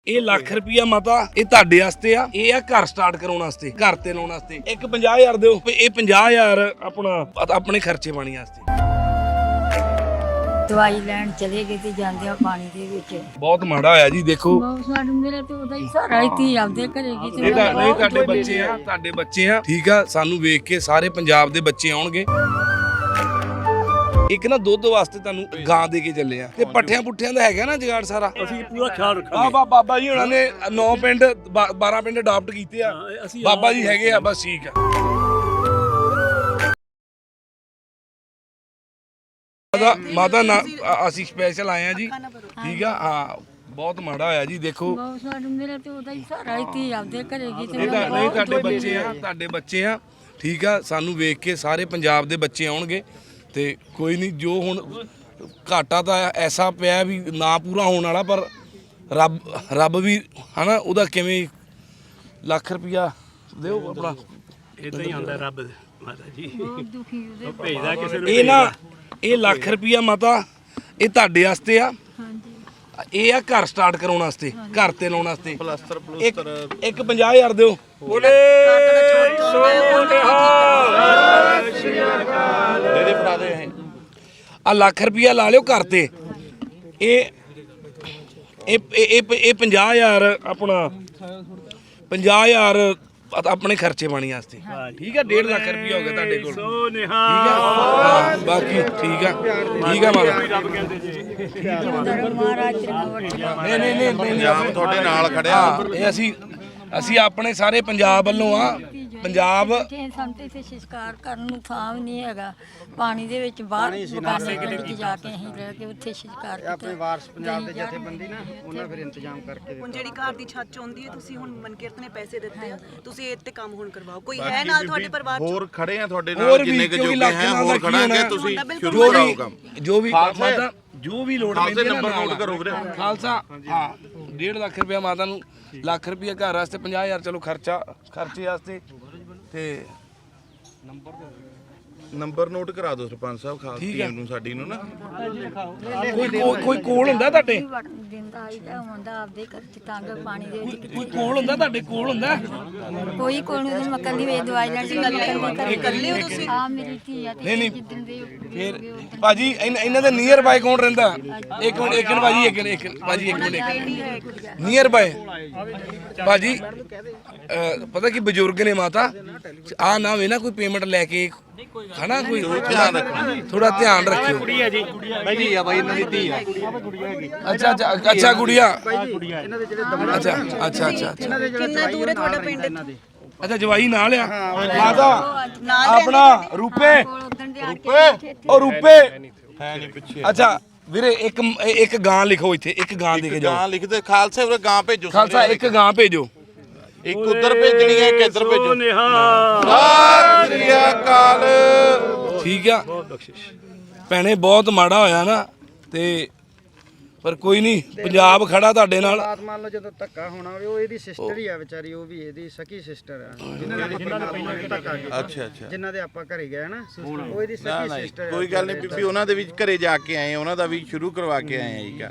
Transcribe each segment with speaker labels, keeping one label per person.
Speaker 1: ਇਹ ਲੱਖ ਰੁਪਿਆ ਮਾਤਾ ਇਹ ਤੁਹਾਡੇ ਵਾਸਤੇ ਆ। ਇਹ ਆ ਘਰ ਸਟਾਰਟ ਕਰਾਉਣ ਵਾਸਤੇ, ਘਰ ਤੇ ਲਾਉਣ ਵਾਸਤੇ। ਇੱਕ 50,000 ਦਿਓ, ਇਹ 50,000 ਆਪਣੇ ਖਰਚੇ ਪਾਣੀ ਵਾਸਤੇ।
Speaker 2: ਦਵਾਈ ਲੈਣ ਚਲੇ ਗਏ ਤੇ ਜਾਂਦੇ ਆ ਪਾਣੀ ਦੇ ਵਿੱਚ।
Speaker 1: ਬਹੁਤ ਮਾੜਾ ਹੋਇਆ ਜੀ। ਦੇਖੋ
Speaker 2: ਸਾਡੇ ਮੇਰੇ ਤੇ ਉਹਦਾ ਹੀ ਸਾਰਾ ਹੀ ਆਪਦੇ ਘਰੇ ਗਈ ਤੇ
Speaker 1: ਨਹੀਂ ਤੁਹਾਡੇ ਬੱਚੇ ਆ, ਤੁਹਾਡੇ ਬੱਚੇ ਆ, ਠੀਕ ਆ। ਸਾਨੂੰ ਵੇਖ ਕੇ ਸਾਰੇ ਪੰਜਾਬ ਦੇ ਬੱਚੇ ਆਉਣਗੇ। ਇੱਕ ਨਾ ਦੁੱਧ ਵਾਸਤੇ ਤੁਹਾਨੂੰ ਗਾਂ ਦੇ ਕੇ ਚੱਲੇ ਆ ਤੇ ਪੱਠਿਆਂ ਪੁੱਠਿਆਂ ਦਾ ਹੈਗਾ ਨਾ ਜਗਾੜ ਸਾਰਾ।
Speaker 3: ਅਸੀਂ ਪੂਰਾ ਖਿਆਲ ਰੱਖਾਂਗੇ।
Speaker 1: ਬਾਬਾ ਜੀ ਉਹਨਾਂ ਨੇ 9 ਪਿੰਡ 12 ਪਿੰਡ ਅਡਾਪਟ ਕੀਤੇ ਆ। ਬਾਬਾ ਜੀ ਹੈਗੇ ਆ, ਬਸ ਠੀਕ ਆ। ਮਾਤਾ ਨਾ ਅਸੀਂ ਸਪੈਸ਼ਲ ਆਏ ਆ ਜੀ, ਠੀਕ ਆ। ਹਾਂ ਬਹੁਤ ਮਾੜਾ ਹੋਇਆ ਜੀ। ਦੇਖੋ
Speaker 2: ਸਾਡੇ ਮੇਰੇ ਤੇ ਉਹਦਾ ਹੀ ਸਾਰਾ ਹੀ ਆਪਦੇ ਘਰੇ ਗਈ ਤੇ
Speaker 1: ਨਹੀਂ ਤੁਹਾਡੇ ਬੱਚੇ ਆ, ਤੁਹਾਡੇ ਬੱਚੇ ਆ, ਠੀਕ ਆ। ਸਾਨੂੰ ਵੇਖ ਕੇ ਸਾਰੇ ਪੰਜਾਬ ਦੇ ਬੱਚੇ ਆਉਣਗੇ ਤੇ ਕੋਈ ਨਹੀਂ। ਜੋ ਹੁਣ ਘਾਟਾ ਤਾਂ ਐਸਾ ਪਿਆ ਵੀ ਨਾ ਪੂਰਾ ਹੋਣ ਵਾਲਾ, ਪਰ ਰੱਬ ਵੀ ਹਨਾ ਉਹਦਾ ਕਿਵੇਂ ਲੱਖ ਰੁਪਿਆ ਦਿਓ ਆਪਣਾ।
Speaker 3: ਇਦਾਂ ਹੀ ਆਉਂਦਾ ਰੱਬ ਮਾਤਾ ਜੀ,
Speaker 2: ਦੁਖੀ ਉਹਦੇ
Speaker 3: ਭੇਜਦਾ ਕਿਸੇ ਨੂੰ।
Speaker 1: ਇਹ ਨਾ ਇਹ ਲੱਖ ਰੁਪਿਆ ਮਾਤਾ ਇਹ ਤੁਹਾਡੇ ਵਾਸਤੇ ਆ। ਇਹ ਆ ਘਰ ਸਟਾਰਟ ਕਰਾਉਣ ਵਾਸਤੇ, ਘਰ ਤੇ ਲਾਉਣ ਵਾਸਤੇ। ਪਲਸਤਰ ਇੱਕ 50,000 ਦਿਓ। ਬੋਲੇ ਆ ਲੱਖ ਰੁਪਿਆ ਲਾ ਲਿਓ ਘਰ ਤੇ। ਇਹ 50,000 ਆਪਣਾ 50,000 ਆਪਣੇ ਖਰਚੇ ਪਾਣੀ ਵਾਸਤੇ, ਠੀਕ ਆ। 1.5 ਲੱਖ ਰੁਪਿਆ ਹੋ ਗਿਆ ਤੁਹਾਡੇ ਕੋਲ, ਠੀਕ ਆ। ਹਾਂ ਬਾਕੀ ਠੀਕ ਆ, ਠੀਕ ਆ ਮਾਤਾ। ਨਹੀਂ
Speaker 4: ਪੰਜਾਬ ਤੁਹਾਡੇ ਨਾਲ ਖੜਿਆ।
Speaker 1: ਇਹ ਅਸੀਂ ਆਪਣੇ ਸਾਰੇ ਪੰਜਾਬ ਵੱਲੋਂ ਆ। ਪੰਜਾਬ
Speaker 2: ਸਾਨੂੰ ਤੇ ਇੱਥੇ ਸ਼ਿਕਾਰ ਕਰਨ ਨੂੰ ਥਾਂ ਵੀ ਨਹੀਂ ਹੈਗਾ। ਪਾਣੀ ਦੇ ਵਿੱਚ ਬਾਹਰ ਬਗਾਨੇ ਪਿੰਡ 'ਚ ਜਾ ਕੇ ਅਸੀਂ ਰਹਿ ਕੇ ਉੱਥੇ ਸ਼ਿਕਾਰ ਕੀਤਾ।
Speaker 5: ਆਪਣੇ ਵਾਰਸ ਪੰਜਾਬ ਦੇ ਜਥੇਬੰਦੀ ਨਾ ਉਹਨਾਂ ਫਿਰ ਇੰਤਜ਼ਾਮ ਕਰਕੇ
Speaker 6: ਹੁਣ ਜਿਹੜੀ ਘਰ ਦੀ ਛੱਤ ਚਾਹੁੰਦੀ ਹੈ, ਤੁਸੀਂ ਹੁਣ ਮਨਕੀਰਤ ਨੇ ਪੈਸੇ ਦਿੱਤੇ ਆ, ਤੁਸੀਂ ਇਹ ਤੇ ਕੰਮ ਹੁਣ ਕਰਵਾਓ। ਕੋਈ ਹੈ ਨਾਲ ਤੁਹਾਡੇ ਪਰਿਵਾਰ ਚ?
Speaker 4: ਹੋਰ ਖੜੇ ਆ ਤੁਹਾਡੇ ਨਾਲ, ਜਿੰਨੇ ਕੁ ਜੋਗੇ ਹੈ ਹੋਰ ਖੜਾਂਗੇ। ਤੁਸੀਂ ਸ਼ੁਰੂ ਕਰਾਓ ਕੰਮ।
Speaker 1: ਜੋ ਵੀ ਮਾਤਾ ਜੋ ਵੀ ਲੋੜ ਪੈਂਦੀ ਹੈ
Speaker 4: ਨੰਬਰ ਨੋਟ ਕਰੋ ਵੀਰੇ।
Speaker 1: ਖਾਲਸਾ ਹਾਂ 1.5 ਲੱਖ ਰੁਪਇਆ ਮਾਤਾ ਨੂੰ, ਲੱਖ ਰੁਪਇਆ ਘਰ ਵਾਸਤੇ, 50,000 ਚਲੋ ਖਰਚੇ ਵਾਸਤੇ। ਤੇ
Speaker 4: ਨੰਬਰ ਨੋਟ ਕਰਾ ਦਿਓ ਸਰਪੰਚ ਸਾਹਿਬ, ਖਾਸ ਟੀਮ ਨੂੰ ਸਾਡੀ ਨੂੰ ਨਾ।
Speaker 1: ਕੋਈ ਕੋਲ ਹੁੰਦਾ ਤੁਹਾਡੇ?
Speaker 2: ਦਿੰਦਾ ਆਈਦਾ ਹੁੰਦਾ ਆਪਦੇ ਘਰ 'ਚ ਤੰਗ ਪਾਣੀ ਦੇ ਵਿੱਚ।
Speaker 1: ਕੋਈ ਕੋਲ ਹੁੰਦਾ ਤੁਹਾਡੇ? ਕੋਲ ਹੁੰਦਾ
Speaker 2: ਕੋਈ ਕੋਲ ਨੂੰ ਮੱਕਲ ਦੀ ਵੇ ਦਵਾਈ ਲੈਣ ਦੀ
Speaker 6: ਇਕੱਲੇ ਹੋ ਤੁਸੀਂ?
Speaker 2: ਆ ਮੇਰੀ ਧੀ ਆ ਤੇ
Speaker 1: ਨਹੀਂ
Speaker 2: ਜਿੱਦਣ ਦੇ
Speaker 1: ਫਿਰ ਭਾਜੀ ਇਹਨਾਂ ਦੇ ਨੀਅਰ ਬਾਈ ਕੌਣ ਰਹਿੰਦਾ? ਇੱਕ ਮਿੰਟ ਭਾਜੀ, ਇੱਕ ਭਾਜੀ, ਇੱਕ ਮਿੰਟ। ਨੀਅਰ ਬਾਈ ਭਾਜੀ ਪਤਾ ਕੀ ਬਜ਼ੁਰਗ ਨੇ ਮਾਤਾ, ਆ ਨਾ ਵੇ ਨਾ ਕੋਈ ਪੇਮੈਂਟ ਲੈ ਕੇ ਹਨਾ, ਕੋਈ ਥੋੜਾ ਧਿਆਨ ਰੱਖਿਓ।
Speaker 3: ਕੁੜੀ ਆ ਜੀ,
Speaker 5: ਧੀ ਆ ਬਾਈ ਇਹਨਾਂ ਦੀ ਧੀ ਆ।
Speaker 1: ਅੱਛਾ ਗੁੜੀਆ,
Speaker 5: ਇਹਨਾਂ ਦੇ ਜਿਹੜੇ
Speaker 1: ਅੱਛਾ
Speaker 6: ਕਿੰਨਾ ਦੂਰ ਹੈ ਤੁਹਾਡਾ ਪਿੰਡ?
Speaker 1: ਅੱਛਾ ਜਵਾਈ ਨਾਲ ਆ ਮਾਤਾ ਆਪਣਾ ਰੂਪੇ ਉਹ ਰੂਪੇ
Speaker 4: ਹੈ ਨਹੀਂ ਪਿੱਛੇ।
Speaker 1: ਅੱਛਾ ਵੀਰੇ ਇੱਕ ਗਾਂ ਲਿਖੋ ਇੱਥੇ, ਇੱਕ ਗਾਂ ਦੇ ਕੇ ਜਾਓ।
Speaker 4: ਗਾਂ ਲਿਖਦੇ ਖਾਲਸੇ ਵੀਰੇ, ਗਾਂ ਭੇਜੋ।
Speaker 1: ਖਾਲਸਾ ਇੱਕ ਗਾਂ ਭੇਜੋ।
Speaker 4: ਇੱਕ ਉਧਰ ਭੇਜਣੀ ਹੈ, ਇੱਕ ਇੱਧਰ ਭੇਜੋ।
Speaker 1: ਸਤਿ ਸ੍ਰੀ ਅਕਾਲ। ਠੀਕ ਆ ਭੈਣੇ, ਬਹੁਤ ਮਾੜਾ ਹੋਇਆ ਨਾ, ਤੇ ਪਰ ਕੋਈ ਨਹੀਂ, ਪੰਜਾਬ ਖੜਾ ਤੁਹਾਡੇ ਨਾਲ।
Speaker 5: ਹਾਲਾਤ ਮੰਨ ਲਓ ਜਦੋਂ ਧੱਕਾ ਹੋਣਾ ਹੋਵੇ, ਉਹ ਇਹਦੀ ਸਿਸਟਰ ਹੀ ਆ ਵਿਚਾਰੀ, ਉਹ ਵੀ ਇਹਦੀ ਸਕੀ ਸਿਸਟਰ ਆ।
Speaker 4: ਅੱਛਾ
Speaker 5: ਜਿਨ੍ਹਾਂ ਦੇ ਆਪਾਂ ਘਰੇ ਗਏ ਨਾ, ਉਹ ਇਹਦੀ ਸਕੀ ਸਿਸਟਰ ਆ।
Speaker 4: ਕੋਈ ਗੱਲ ਨਹੀਂ ਬੀਬੀ, ਉਹਨਾਂ ਦੇ ਵੀ ਘਰੇ ਜਾ ਕੇ ਆਏ, ਉਹਨਾਂ ਦਾ ਵੀ ਸ਼ੁਰੂ ਕਰਵਾ ਕੇ ਆਏ ਆ ਜੀ।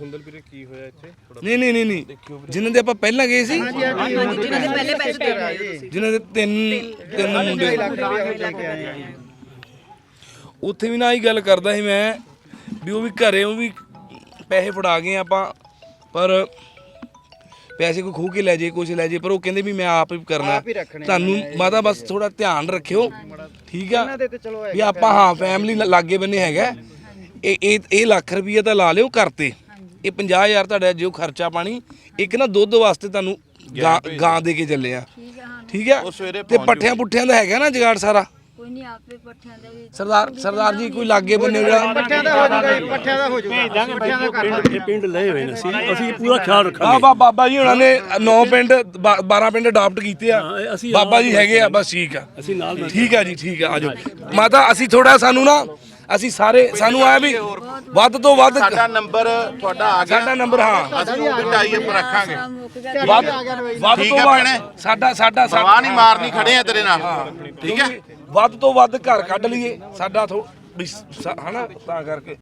Speaker 1: ਨਹੀਂ ਜਿਨ੍ਹਾਂ ਦੇ ਆਪਾਂ ਪਹਿਲਾਂ ਗਏ ਸੀ,
Speaker 6: ਜਿਹਨਾਂ ਦੇ ਪਹਿਲੇ ਪੈਸੇ ਦੇ ਰਹੇ ਹੋ ਤੁਸੀਂ।
Speaker 1: ਜਿਨ੍ਹਾਂ ਦੇ ਤਿੰਨ ਮੁੰਡੇ
Speaker 5: ਲੈ ਕੇ ਆਏ ਆ।
Speaker 1: ਉੱਥੇ ਵੀ ਨਾ ਹੀ ਗੱਲ ਕਰਦਾ ਸੀ ਮੈਂ ਵੀ ਉਹ ਵੀ ਘਰੇ ਉਹ ਵੀ ਪੈਸੇ ਫੜਾ ਗਏ ਆਪਾਂ, ਪਰ ਪੈਸੇ ਕੋਈ ਖੂਹ ਕੇ ਲੈ ਜੇ, ਕੁਛ ਲੈ ਜੇ, ਪਰ ਉਹ ਕਹਿੰਦੇ ਵੀ ਮੈਂ ਆਪ ਹੀ ਕਰਨਾ। ਤੁਹਾਨੂੰ ਮਾਤਾ ਬਸ ਥੋੜਾ ਧਿਆਨ ਰੱਖਿਓ, ਠੀਕ ਆ। ਵੀ ਆਪਾਂ ਹਾਂ ਫੈਮਿਲੀ ਲਾਗੇ ਬੰਨੇ ਹੈਗਾ। ਇਹ ਲੱਖ ਰੁਪਈਆ ਤਾਂ ਲਾ ਲਿਓ ਘਰ ਤੇ। ਇਹ 50,000 ਤੁਹਾਡਾ ਜੋ ਖਰਚਾ ਪਾਣੀ। ਇੱਕ ਨਾ ਦੁੱਧ ਵਾਸਤੇ ਤੁਹਾਨੂੰ ਗਾਂ ਦੇ ਕੇ ਚੱਲੇ ਆ, ਠੀਕ ਆ। ਤੇ ਪੱਠਿਆਂ ਪੁੱਠਿਆਂ ਦਾ ਹੈਗਾ ਨਾ ਜਗਾੜ ਸਾਰਾ।
Speaker 2: ਕੋਈ ਨਹੀਂ ਆਪੇ ਪੱਠਿਆਂ ਦੇ ਵਿੱਚ
Speaker 1: ਸਰਦਾਰ ਜੀ ਕੋਈ ਲਾਗੇ ਬੰਨੇ ਜਿਹੜਾ
Speaker 5: ਪੱਠਿਆਂ ਦਾ ਹੋ ਜਾਊਗਾ, ਪੱਠਿਆਂ ਦਾ ਹੋ ਜਾਊਗਾ। ਪੱਠਿਆਂ ਦਾ ਕਰ
Speaker 3: ਇਹ ਪਿੰਡ ਲਏ ਹੋਏ ਨੇ, ਅਸੀਂ ਪੂਰਾ ਖਿਆਲ ਰੱਖਾਂਗੇ।
Speaker 1: ਬਾਬਾ ਜੀ ਉਹਨਾਂ ਨੇ 9 ਪਿੰਡ 12 ਪਿੰਡ ਅਡਾਪਟ ਕੀਤੇ ਆ। ਬਾਬਾ ਜੀ ਹੈਗੇ ਆ, ਬਸ ਠੀਕ ਆ।
Speaker 3: ਅਸੀਂ ਨਾਲ
Speaker 1: ਠੀਕ ਆ ਜੀ, ਠੀਕ ਆ। ਆਜੋ ਮਾਤਾ, ਅਸੀਂ ਥੋੜਾ ਸਾਨੂੰ ਨਾ ਅਸੀਂ ਸਾਰੇ ਸਾਨੂੰ ਆਇਆ ਵੀ ਵੱਧ ਤੋਂ ਵੱਧ
Speaker 4: ਸਾਡਾ ਨੰਬਰ ਤੁਹਾਡਾ ਆ ਗਿਆ।
Speaker 1: ਸਾਡਾ ਨੰਬਰ ਹਾਂ
Speaker 4: ਅਸੀਂ ਉਹ ਟਾਈ ਪਰ ਰੱਖਾਂਗੇ।
Speaker 1: ਵੱਧ
Speaker 4: ਠੀਕ
Speaker 1: ਤੋਂ
Speaker 4: ਆ
Speaker 1: ਵੱਧ
Speaker 4: ਭੈਣੇ,
Speaker 1: ਸਾਡਾ
Speaker 4: ਪਰਵਾਹ ਨਹੀਂ ਮਾਰਨੀ, ਖੜੇ ਆ ਤੇਰੇ ਨਾਲ, ਠੀਕ ਹੈ।
Speaker 1: ਵੱਧ ਤੋਂ ਵੱਧ ਘਰ ਕੱਢ ਲਈਏ ਸਾਡਾ ਹਨਾ, ਤਾਂ ਕਰਕੇ